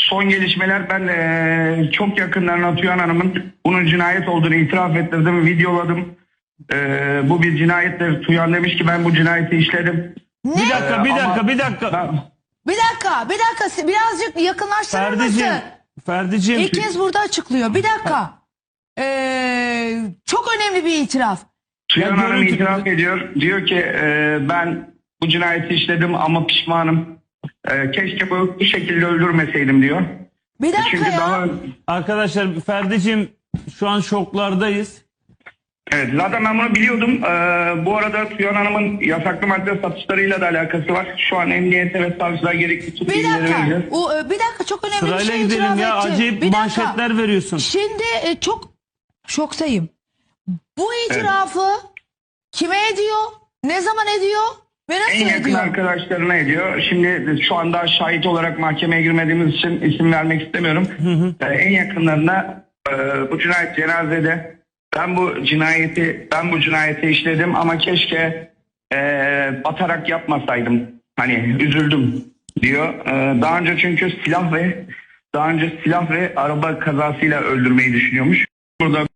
son gelişmeler, ben çok yakınlarına Tüyan Hanım'ın bunun cinayet olduğunu itiraf ettirdim, videoladım. Bu bir cinayettir. Tüyan demiş ki ben bu cinayeti işledim. Ne? Bir dakika, bir dakika, ama bir dakika. Bir dakika birazcık yakınlaştırır Ferdi'cim, mısın? Ferdi'cim. İlk kez burada açıklıyor. Bir dakika. Çok önemli bir itiraf. Tüyan Ya Hanım görüntü- itiraf ediyor. Diyor ki ben bu cinayeti işledim ama pişmanım. Keşke bu şekilde öldürmeseydim diyor. Bir dakika Çünkü ya. daha... Arkadaşlar Ferdi'cim şu an şoklardayız. Evet, zaten ben bunu biliyordum. Bu arada Tüyan Hanım'ın yasaklı madde satışlarıyla da alakası var. Şu an emniyete ve savcılığa gerekli tüm Bir bilgileri dakika. vereceğiz. Bir dakika, çok önemli bir Sırayla şey gidelim itiraf ya, etti. acayip Bir dakika. manşetler veriyorsun. Şimdi çok şoktayım. Bu itirafı kime ediyor? Ne zaman ediyor? Ve En nasıl yakın ediyor? arkadaşlarına ediyor. Şimdi şu anda şahit olarak mahkemeye girmediğimiz için isim vermek istemiyorum. En yakınlarına bu cinayet cenazede ben bu cinayeti işledim ama keşke batarak yapmasaydım. Hani üzüldüm diyor. Daha önce çünkü silah ve araba kazasıyla öldürmeyi düşünüyormuş. Burada